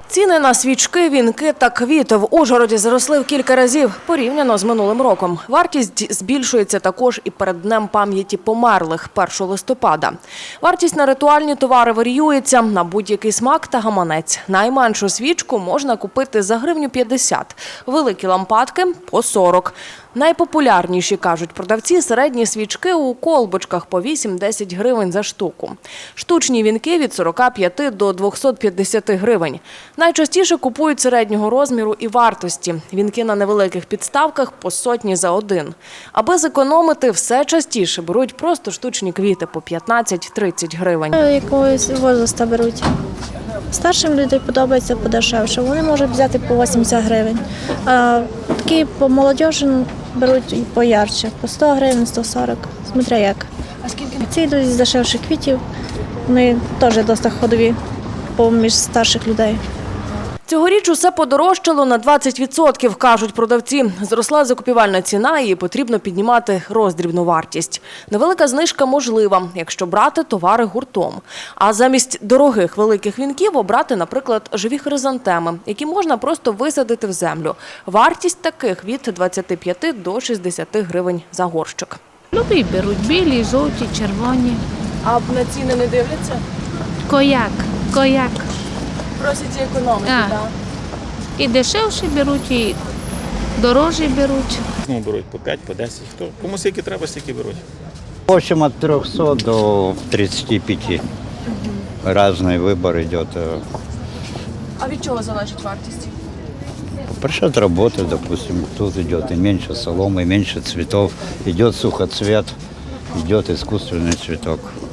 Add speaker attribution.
Speaker 1: Ціни на свічки, вінки та квіти в Ужгороді зросли в кілька разів порівняно з минулим роком. Вартість збільшується також і перед Днем пам'яті померлих 1 листопада. Вартість на ритуальні товари варіюється на будь-який смак та гаманець. Найменшу свічку можна купити за гривню 50, великі лампадки – по 40. Найпопулярніші, кажуть продавці, середні свічки у колбочках по 8-10 гривень за штуку. Штучні вінки – від 45 до 250 гривень. Найчастіше купують середнього розміру і вартості. Вінки на невеликих підставках по сотні за один. Аби зекономити, все частіше беруть просто штучні квіти по 15-30 гривень.
Speaker 2: Якогось возраста беруть. Старшим людям подобається подешевше. Вони можуть взяти по 80 гривень. А такі по молодіжі беруть і поярче. По 100 гривень, 140. Смотря як.
Speaker 1: А скільки?
Speaker 2: Ці йдуть з дешевших квітів. Вони теж досить ходові поміж старших людей.
Speaker 1: Цьогоріч усе подорожчало на 20%, кажуть продавці. Зросла закупівельна ціна і потрібно піднімати роздрібну вартість. Невелика знижка можлива, якщо брати товари гуртом. А замість дорогих великих вінків обрати, наприклад, живі хризантеми, які можна просто висадити в землю. Вартість таких від 25 до 60 гривень за горщик.
Speaker 3: Любі беруть білі, жовті, червоні.
Speaker 1: А на ціни не дивляться?
Speaker 3: Кояк.
Speaker 1: Просять економити,
Speaker 3: так? І дешевші беруть, і дорожчі беруть.
Speaker 4: Ну, беруть по 5, по 10. Кому скільки треба, стільки беруть.
Speaker 5: В общем, от 300 до 35. Разный выбор идет.
Speaker 1: А від чого залежить вартість?
Speaker 5: Пришед работы, допустим, тут идет и меньше соломы, и меньше цветов. Идет сухоцвет, идет искусственный цветок.